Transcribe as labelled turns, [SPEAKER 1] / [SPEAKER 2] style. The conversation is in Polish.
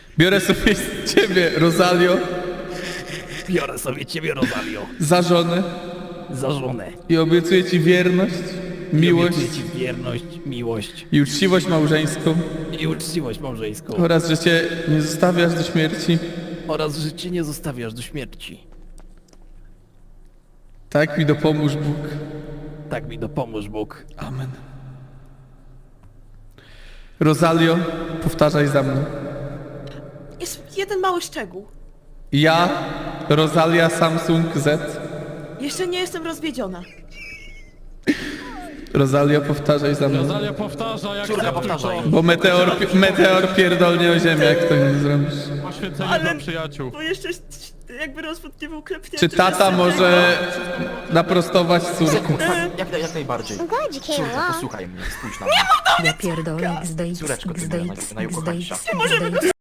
[SPEAKER 1] Biorę sobie ciebie, Rosalio,
[SPEAKER 2] Biorę sobie ciebie, Rosalio,
[SPEAKER 1] za żonę
[SPEAKER 2] za żonę.
[SPEAKER 1] i obiecuję ci wierność, miłość
[SPEAKER 2] Obiecuję ci wierność, miłość
[SPEAKER 1] i uczciwość małżeńską
[SPEAKER 2] i uczciwość małżeńską.
[SPEAKER 1] oraz, że cię nie zostawiasz do śmierci.
[SPEAKER 2] Oraz, że cię nie zostawiasz do śmierci.
[SPEAKER 1] Tak mi dopomóż Bóg.
[SPEAKER 2] Tak mi dopomóż Bóg.
[SPEAKER 1] Amen. Rosalio, powtarzaj za mną.
[SPEAKER 3] Jest jeden mały szczegół.
[SPEAKER 1] Ja, Rosalia Samsung Z.
[SPEAKER 3] Jeszcze nie jestem rozwiedziona.
[SPEAKER 1] Rosalio, powtarzaj za mną.
[SPEAKER 4] Rosalia powtarza, jak
[SPEAKER 2] Córka, powtarzaj.
[SPEAKER 1] Bo meteor pierdolnie o ziemię, jak to nie zrobisz.
[SPEAKER 4] Poświęcenie
[SPEAKER 3] Ale-
[SPEAKER 4] dla przyjaciół.
[SPEAKER 3] Bo jeszcze jakby rozwód nie był klepnięty.
[SPEAKER 1] Czy tata może naprostować córkę?
[SPEAKER 5] Jak najbardziej.
[SPEAKER 6] I'm glad you came
[SPEAKER 5] Córka,
[SPEAKER 6] along.
[SPEAKER 5] posłuchaj mnie, spójrz na mnie.
[SPEAKER 7] Ja pierdolę, XD,
[SPEAKER 5] Córeczko, ty
[SPEAKER 7] XD,
[SPEAKER 5] moja najukochańsza.
[SPEAKER 7] XD,